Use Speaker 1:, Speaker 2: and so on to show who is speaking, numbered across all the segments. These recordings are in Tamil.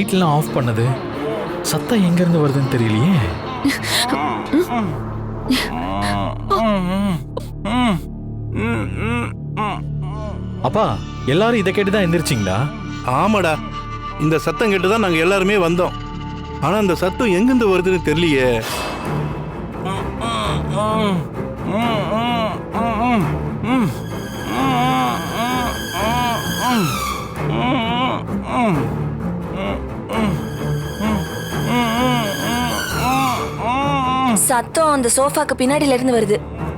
Speaker 1: லைட்லாம் ஆஃப் பண்ணது? சத்தம் எங்க இருந்து வருதுன்னு தெரியலையே. அப்பா, எல்லாரும் இதை கேட்டுதான் எந்திரிச்சிங்களா?
Speaker 2: ஆமாடா, இந்த சத்தம் கேட்டுதான் நாங்க எல்லாருமே வந்தோம். ஆனா இந்த சத்தம் எங்கிருந்து வருதுன்னு தெரியலையே.
Speaker 3: சத்தம் அந்த சோஃபாக்கு பின்னாடில இருந்து வருது.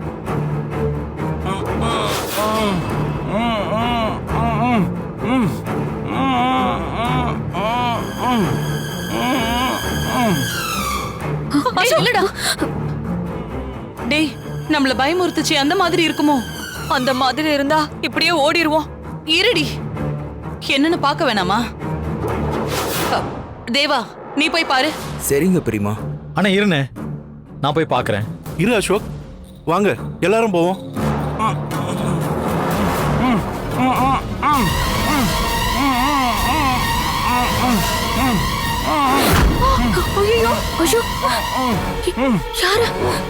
Speaker 4: இல்லடா டேய், நம்மள பயமுறுத்துச்சு அந்த மாதிரி இருக்குமோ? அந்த மாதிரி இருந்தா இப்படியே ஓடிடுவோம். இருடி, என்னன்னு பார்க்க வேணாமா? தேவா, நீ போய் பாரு.
Speaker 5: சரிங்க பெரியமா.
Speaker 1: ஆனா இருண்ணே, நான் போய் பார்க்கறேன்.
Speaker 2: இரு அசோக், வாங்க எல்லாரும் போவோம்.
Speaker 3: ஐயோ, ஐயோ, யாரு?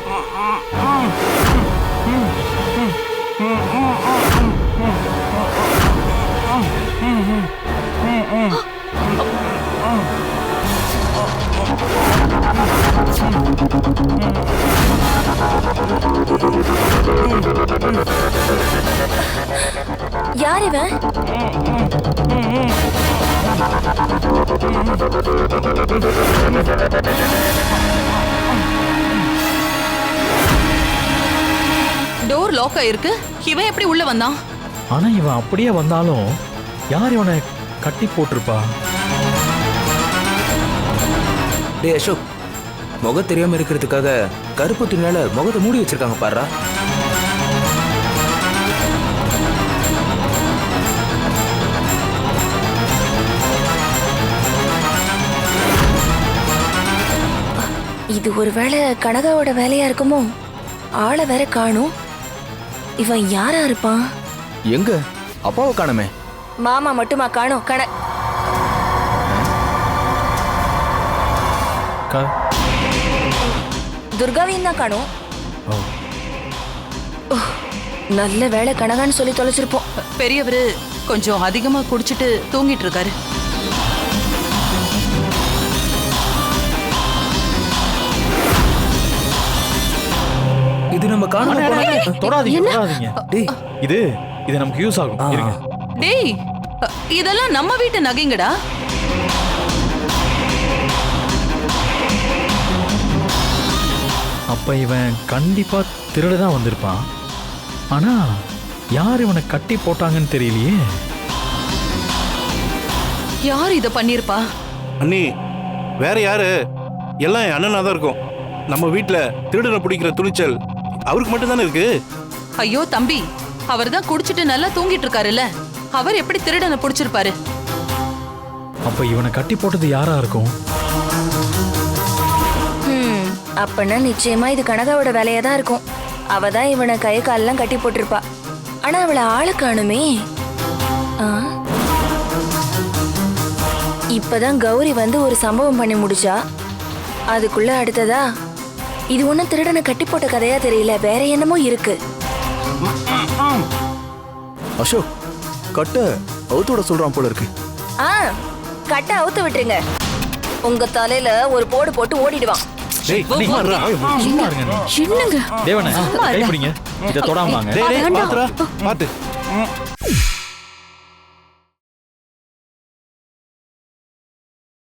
Speaker 3: யார் இவன்?
Speaker 4: டோர் லாக் ஆயிருக்கு. இவன் எப்படி உள்ள வந்தான்?
Speaker 1: ஆனா இவன் அப்படியே வந்தாலும் யார் இவனை கட்டி போட்டிருப்பா?
Speaker 5: டேய் அசோக், முகம் தெரியாம இருக்கிறதுக்காக கருப்பு துணியால முகத்தை மூடி வச்சிருக்காங்க பாருடா.
Speaker 3: இது ஒருவேளை கனகாவோட வேலையா இருக்குமோ? ஆளை வேற காணும். இவன் யாரா இருப்பான்?
Speaker 5: எங்க அப்பாவை காணுமே.
Speaker 3: மாமா மட்டுமா காணும்? துர்காவையும் தான் காணும். நல்ல வேலை கனகான்னு சொல்லி தொலைச்சிருப்போம்.
Speaker 4: பெரியவரு கொஞ்சம் அதிகமா குடிச்சிட்டு தூங்கிட்டு இருக்காரு.
Speaker 5: இது நம்ம காணாம
Speaker 1: தொடாதீங்க. டேய், இது நமக்கு யூஸ் ஆகும். இருங்க.
Speaker 4: டேய், இதெல்லாம் நம்ம வீட்டு நகைங்கடா.
Speaker 1: அப்ப இவன் கண்டிப்பா திருடதான் வந்திருப்பான். ஆனா யார் இவனை கட்டி போட்டாங்கன்னு தெரியலையே.
Speaker 4: யார் இத பண்ணிருப்பா?
Speaker 2: அண்ணி, வேற யாரு? எல்லாம் என் அண்ணனா தான் இருக்கும். நம்ம வீட்டுல திருடனை பிடிக்கிற துணிச்சல் அவருக்கு மட்டும் தானே இருக்கு.
Speaker 4: ஐயோ தம்பி, அவர் தான் குடிச்சிட்டு நல்லா தூங்கிட்டு இருக்காருல்ல, அவர் எப்படி திருடனை பிடிச்சிருப்பாரு?
Speaker 1: அப்ப இவனை கட்டி போட்டது யாரா இருக்கும்?
Speaker 3: அப்பனா நிச்சயமா இது கனகாவோட வேலையா தான் இருக்கும். அவ தான் இவனை கை காலெல்லாம் கட்டி போட்டிருப்பா. ஆனா அவளை ஆளை காணுமே. இப்பதான் கௌரி வந்து ஒரு சம்பவம் பண்ணி முடிச்சா. அதுக்குள்ள அடுத்ததா இது ஒன்னும் திருடனை கட்டி போட்ட கதையா தெரியல, வேற என்னமோ இருக்கு.
Speaker 5: அசோக், கட்ட அவுத்தோட சொல்றான் போல இருக்கு.
Speaker 3: கட்ட அவுத்து விட்டுருங்க. உங்க தலையில ஒரு போடு போட்டு ஓடிடுவான்.
Speaker 2: டேய்,
Speaker 1: சும்மா இருங்க.
Speaker 3: என்னங்க
Speaker 1: தேவனே, கை பிடிங்க. இத தொடாம வாங்க.
Speaker 2: டேய், பாத்துடா, பாத்து.